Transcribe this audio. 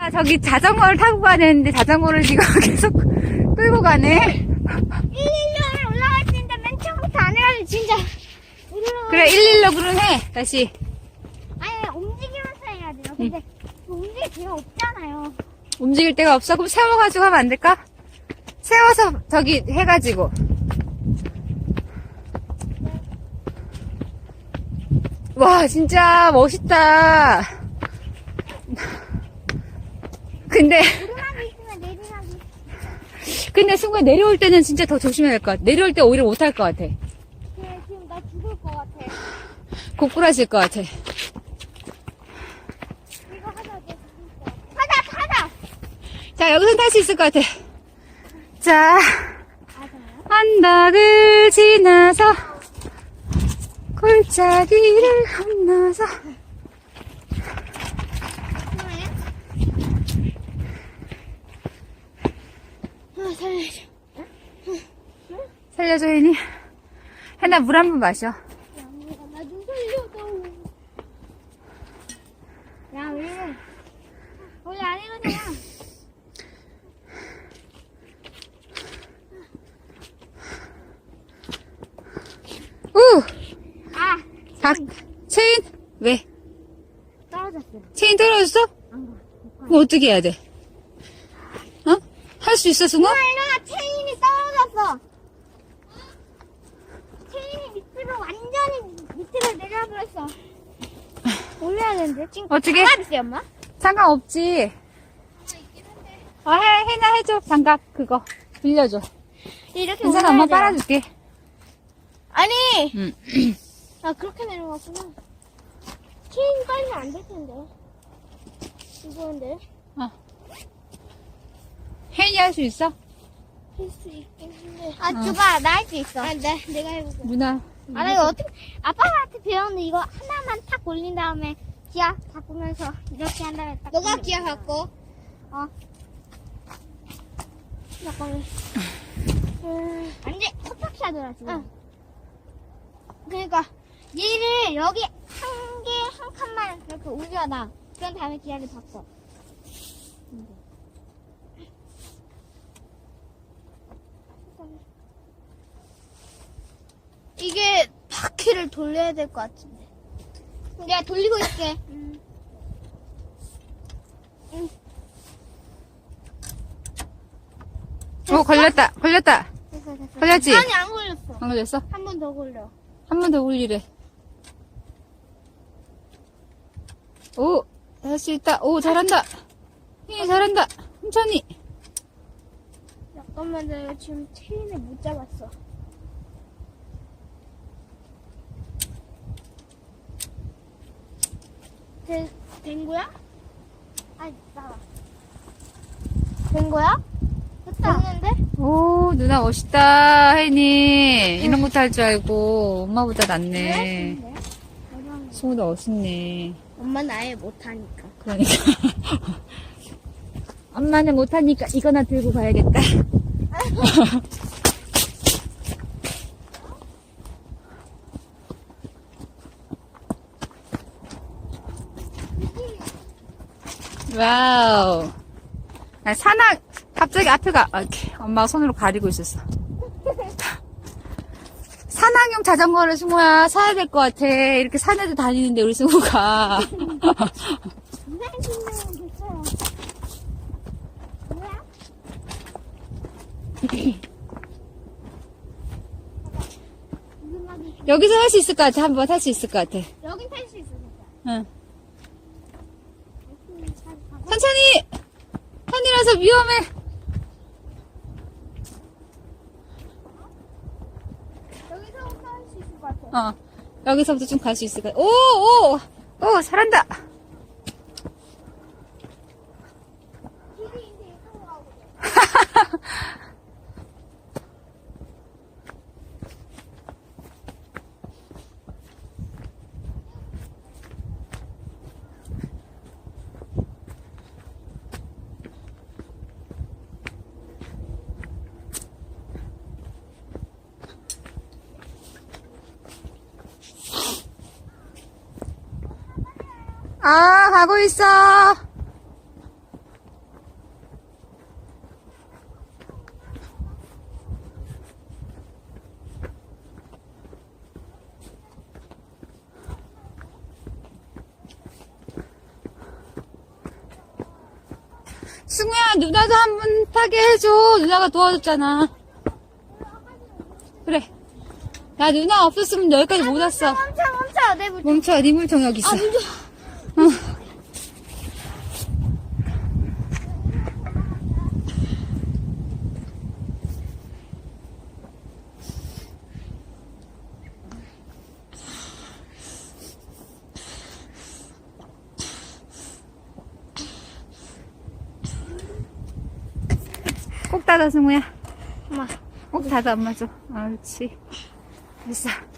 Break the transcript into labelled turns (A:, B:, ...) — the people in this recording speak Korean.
A: 아, 저기 자전거를 타고 가야 되는데 자전거를 지금 계속 끌고 가네.
B: 116을 올라갈 수 있는데 맨 처음부터 안 해가지고 진짜.
A: 그래 116 그럼 해 다시.
B: 아니 움직이면서 해야 돼요. 근데 움직일 기회가 없잖아요.
A: 움직일 데가 없어? 그럼 세워가지고 하면 안 될까? 세워서 저기 해가지고. 와 진짜 멋있다. 근데
B: 오르막이 있으면 내리막이.
A: 근데 순간 내려올 때는 진짜 더 조심해야 할 것 같아. 내려올 때 오히려 못할 것 같아.
B: 지금 나 죽을 것 같아.
A: 고꾸라질 것 같아.
B: 이거 하자 내 하자.
A: 자 여기서 탈 수 있을 것 같아. 자 언덕을 지나서 골짜기를 건너서
B: 살려줘.
A: 살려줘 혜니. 혜나 물 한 번 마셔.
B: 나 좀 살려줘. 야 왜? 원래 안 이러잖아.
A: 우!
B: 아
A: 체인? 왜?
B: 떨어졌어.
A: 체인 떨어졌어?
B: 안 가.
A: 그럼 어떻게 해야 돼? 어? 할 수 있어 승호?
B: 일어나 체인이 떨어졌어. 체인이 밑으로 완전히 밑으로 내려버렸어. 올려야 되는데 지금
A: 어떻게?
B: 장갑 있어요 엄마?
A: 상관없지. 혜나 해줘. 장갑 그거 빌려줘.
B: 이렇게
A: 괜찮아
B: 올라야
A: 엄마
B: 돼요.
A: 빨아줄게.
B: 아니
A: 응.
B: 아 그렇게 내려갔구나. 체인 빨면 안 될 텐데. 이거인데
A: 혜니 할 수 있어?
B: 할 수 있겠는데. 아 줘봐 나 할 수 있어. 아 내가 해볼게.
A: 누나.
B: 아 나 이거 어떻게 아빠한테 배웠는데 이거 하나만 탁 올린 다음에 기아 바꾸면서 이렇게 한 다음에 딱. 너가 기아 바꿔. 잠깐만. 완전 컵박이 하더라 지금. 그러니까 얘를 여기 한 개 한 칸만 이렇게 올려놔. 그런 다음에 기아를 바꿔. 이게 바퀴를 돌려야 될 것 같은데. 내가 돌리고 있게.
A: 걸렸다. 걸렸다.
B: 됐어, 됐어.
A: 걸렸지?
B: 아니 안 걸렸어.
A: 안 걸렸어?
B: 한 번 더 걸려.
A: 한 번 더 올리래. 오, 할 수 있다. 오, 잘한다. 혜니 잘한다. 천천히.
B: 잠깐만 내가 지금 체인을 못 잡았어. 된 거야? 아니 나와. 된 거야? 됐다. 됐는데?
A: 오, 누나 멋있다. 혜니. 이런 것도 할 줄 알고. 엄마보다 낫네. 승우도 멋있네.
B: 엄마는 아예 못하니까.
A: 그러니까. 엄마는 못하니까 이거나 들고 가야겠다. 와우. 아, 산악, 갑자기 앞에 가. 아, 이렇게 엄마가 손으로 가리고 있었어. 산악용 자전거를 승우야 사야 될 것 같아. 이렇게 산에도 다니는데 우리 승우가.
B: 무슨 신나면 됐어요. 뭐야? 무슨 말이?
A: 여기서 할 수 있을 것 같아. 한번 할 수 있을 것 같아.
B: 여긴 탈 수 있어 진짜.
A: 응. 천천히! 산이라서 위험해.
B: 여기서부터 할 수 있을 것 같아.
A: 어. 여기서부터 좀 갈 수 있을 것 같아. 오, 오! 오, 잘한다.
B: 길이 이제 이쪽으로 가고.
A: 아, 가고 있어. 승우야, 누나도 한 번 타게 해줘. 누나가 도와줬잖아. 그래. 야, 누나 없었으면 여기까지 못 왔어.
B: 멈춰. 내 물.
A: 멈춰, 네 물통 여기 있어.
B: 아, 물좀.
A: 어. 꼭 닫아, 승우야.
B: 엄마.
A: 꼭 닫아, 엄마 줘. 아, 그렇지. 됐어.